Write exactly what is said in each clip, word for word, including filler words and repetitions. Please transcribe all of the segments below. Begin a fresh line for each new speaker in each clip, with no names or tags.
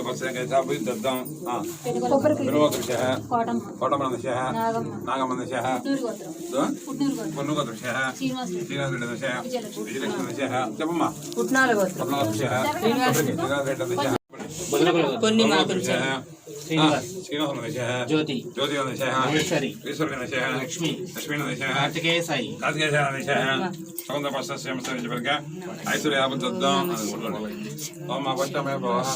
दत्तं बिरुवदृश्यः कोटमनदृश्यः नागमनदृश्यः पुन्नुगोत्रदृश्यः श्रीनिवासरेड्डिदृश्यः विजयलक्ष्मीदृश्यः చెప్పమ్మా पुट्नालगोत्रदृश्यः श्रीनिवासरेड्डिदृश्यः కొన్ని మాతృశ్యः శ్రీనివాసనదృశ్యः జ్యోతి జ్యోతినదృశ్యः ఈశ్వరి ఈశ్వరినదృశ్యः లక్ష్మి లక్ష్మీనదృశ్యः కార్తికేయ సాయి కార్తికేయనదృశ్యः సౌందర్యపశ్యస్యమస్తవర్గ ఐశ్వర్యాబద్ధం ఓం అపష్టమే భవః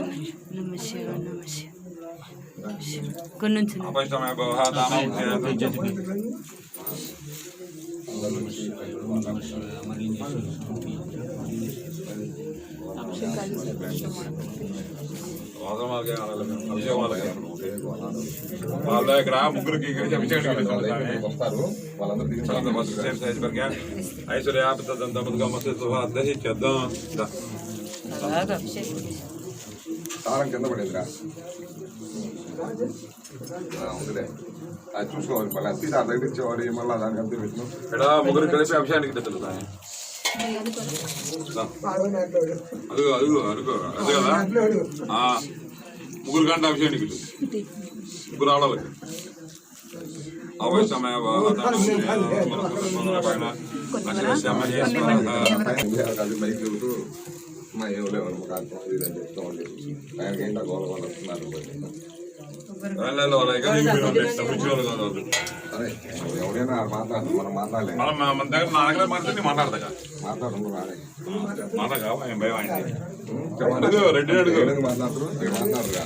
కొన్నుంచి అపష్టమే భవః దానం వాళ్ళ దగ్గర ముగ్గురికి వస్తారు ఐశ్వర్యాబద్ధం తారం కింద పడేదిరా ఉందిలే అది చూసుకోవాలి మళ్ళీ అతి దాని దగ్గర ఇచ్చేవాడు మళ్ళీ దానికి అంతే పెట్టిన ఇక్కడ ముగ్గురు కలిపి అభిషేకానికి తెలుస్తాయి అదిగో అదిగో అదిగో అదే కదా ముగ్గురు గంట అభిషేకానికి ముగ్గురు ఆడవాలి అవసరమే మైక్ చెబుతూ మా ఏం లేవు కార్యక్రమం ఇదని చెప్తూ ఉండేది ఆయనకి ఏంటో గోల వాళ్ళు వస్తున్నారు ఎవరైనా మాట్లాడు మనం మాట్లాడలేదు మన దగ్గర నా దగ్గర మాట్లాడి మాట్లాడదా మాట్లాడు మాట్లాడగా భయం అడుగు రెడ్డి అడుగు మాట్లాడరు మాట్లాడరుగా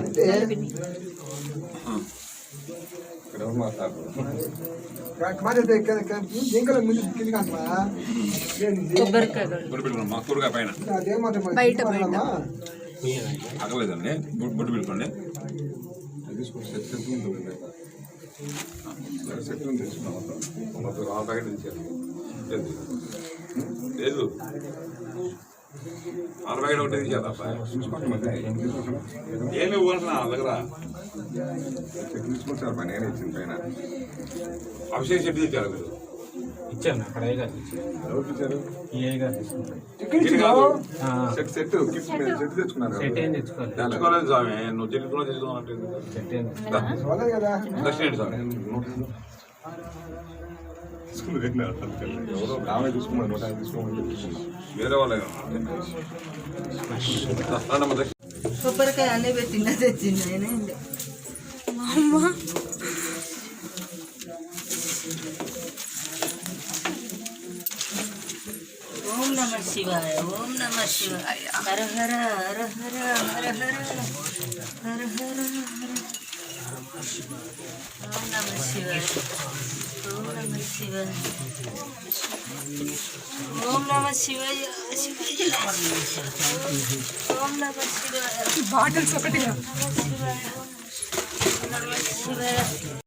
ఇక్కడ మాట్లాడరు కూరగా పైన అగలేదండి బొట్టు పెట్టుకోండి తీసుకుంటే సెట్ తీసుకున్నాం ఆరు ప్యాకెట్ తెచ్చారు లేదు ఆరు ప్యాకెట్ ఒకటి తెచ్చారు అబ్బాయి ఏమి ఇవ్వాల్సిన నా దగ్గర చెక్ తీసుకొచ్చారు పని నేనే ఇచ్చింది పైన అభిషేక్ చెట్టు తెచ్చారు మీరు ఇచ్చాను అక్కడ ఎవరికి ఇచ్చారు సెట్ సెట్ తెచ్చుకున్నారు తెచ్చుకోలేదు స్వామి నువ్వు చెట్టు కూడా తెచ్చుకోవాలంటే దక్షిణ స్వామి ఎవరో ఆమె తీసుకున్నారు నూట యాభై తీసుకోమని వేరే వాళ్ళే
కొబ్బరికాయ అన్నీ పెట్టిందా తెచ్చింది అమ్మ ఓం నమ శివాయ ఓం నమ శివాయ హర హర హర హర హర హర హర హర ఓం నమ శివాయ ఓం నమ శివాయ ఓం నమ శివాయ ఓం నమ శివాయ బాటిల్స్ ఒకటి నమ శివాయ